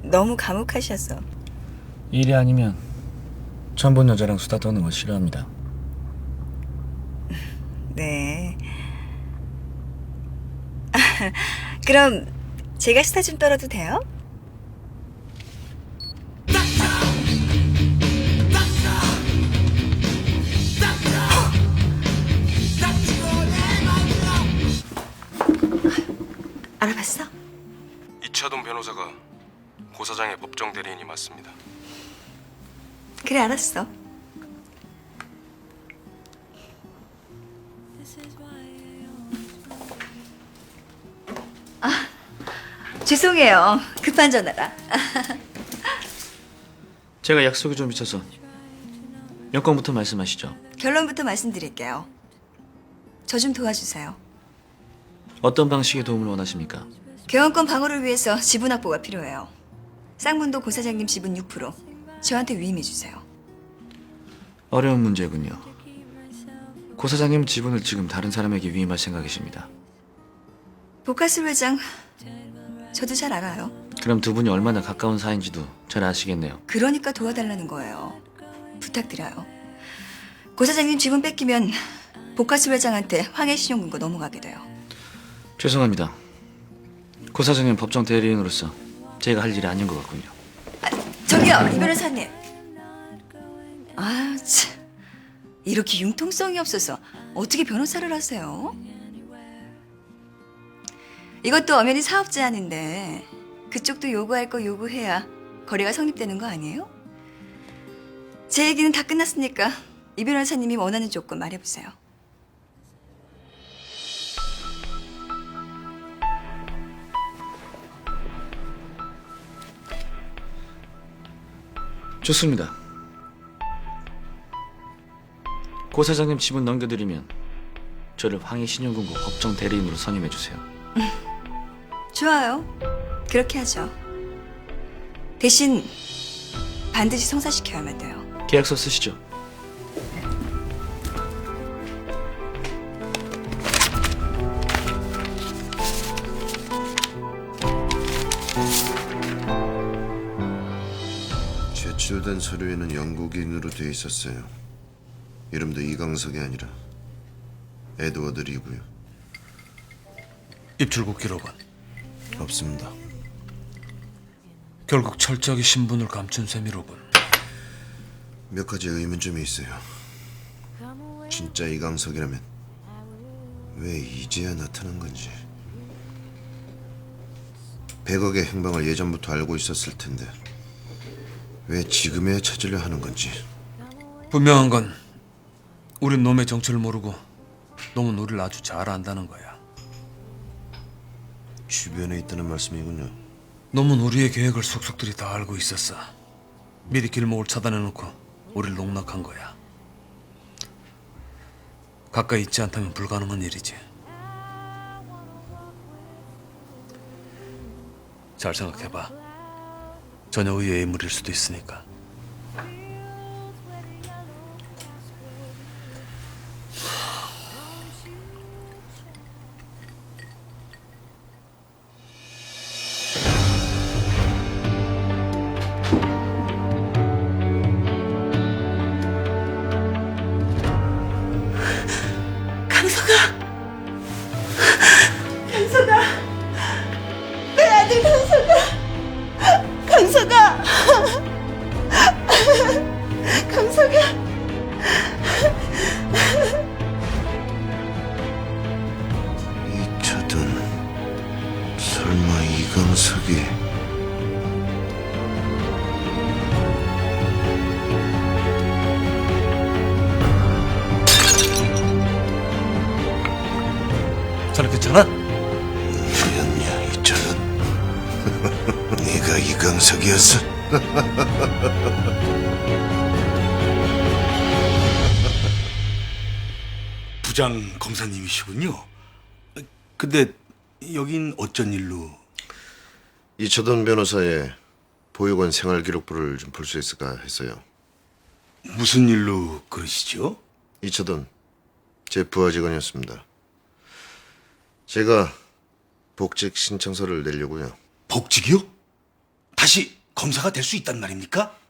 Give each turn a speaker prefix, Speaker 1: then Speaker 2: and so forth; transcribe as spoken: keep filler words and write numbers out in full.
Speaker 1: 너무 감옥하셔서.
Speaker 2: 일이 아니면 처음 본 여자랑 수다 떠는 거 싫어합니다.
Speaker 1: 네. 그럼 제가 수다 좀 떨어도 돼요? 알아봤어?
Speaker 3: 이차돈 변호사가 고 사장의 법정 대리인이 맞습니다.
Speaker 1: 그래, 알았어. 아, 죄송해요. 급한 전화라.
Speaker 2: 제가 약속이 좀 있어서 여건부터 말씀하시죠.
Speaker 1: 결론부터 말씀드릴게요. 저 좀 도와주세요.
Speaker 2: 어떤 방식의 도움을 원하십니까?
Speaker 1: 개헌권 방어를 위해서 지분 확보가 필요해요. 쌍문도 고 사장님 지분 육 퍼센트 저한테 위임해 주세요.
Speaker 2: 어려운 문제군요. 고 사장님 지분을 지금 다른 사람에게 위임할 생각이십니다.
Speaker 1: 보카스 회장, 저도 잘 알아요.
Speaker 2: 그럼 두 분이 얼마나 가까운 사이인지도 잘 아시겠네요.
Speaker 1: 그러니까 도와달라는 거예요. 부탁드려요. 고 사장님 지분 뺏기면 보카스 회장한테 황해 신용금고 넘어가게 돼요.
Speaker 2: 죄송합니다. 고 사장님 법정 대리인으로서 제가 할 일이 아닌 것 같군요.
Speaker 1: 아, 저기요, 이 변호사님. 아, 참. 이렇게 융통성이 없어서 어떻게 변호사를 하세요? 이것도 엄연히 사업 제안인데 그쪽도 요구할 거 요구해야 거래가 성립되는 거 아니에요? 제 얘기는 다 끝났으니까 이 변호사님이 원하는 조건 말해보세요.
Speaker 2: 좋습니다. 고 사장님 지분 넘겨드리면 저를 황해 신용금고 법정 대리인으로 선임해 주세요.
Speaker 1: 좋아요. 그렇게 하죠. 대신 반드시 성사시켜야만 돼요.
Speaker 2: 계약서 쓰시죠.
Speaker 4: 제출된 서류에는 영국인으로 돼 있었어요. 이름도 이강석이 아니라 에드워드 리고요.
Speaker 3: 입출국 기록은
Speaker 4: 없습니다.
Speaker 3: 결국 철저하게 신분을 감춘 셈이로군.
Speaker 4: 몇 가지 의문점이 있어요. 진짜 이강석이라면 왜 이제야 나타난 건지. 백억의 행방을 예전부터 알고 있었을 텐데 왜 지금에야 찾으려 하는 건지.
Speaker 3: 분명한 건 우린 놈의 정체를 모르고 놈은 우리를 아주 잘 안다는 거야.
Speaker 4: 주변에 있다는 말씀이군요.
Speaker 3: 놈은 우리의 계획을 속속들이 다 알고 있었어. 미리 길목을 차단해놓고 우리를 농락한 거야. 가까이 있지 않다면 불가능한 일이지. 잘 생각해봐. 전혀 의외의 인물일 수도 있으니까.
Speaker 1: 강석아! 강석아! 내 아들 강석아! 강석아! 강석아!
Speaker 4: 이차돈 설마 이강석이.
Speaker 3: 자네 괜찮아?
Speaker 4: 뭐였냐 이차돈. 네가 이강석이었어?
Speaker 5: 부장 검사님이시군요. 근데 여긴 어쩐 일로?
Speaker 4: 이차돈 변호사의 보육원 생활기록부를 좀 볼 수 있을까 했어요.
Speaker 5: 무슨 일로 그러시죠?
Speaker 4: 이차돈 제 부하 직원이었습니다. 제가 복직 신청서를 내려고요.
Speaker 5: 복직이요? 다시 검사가 될 수 있단 말입니까?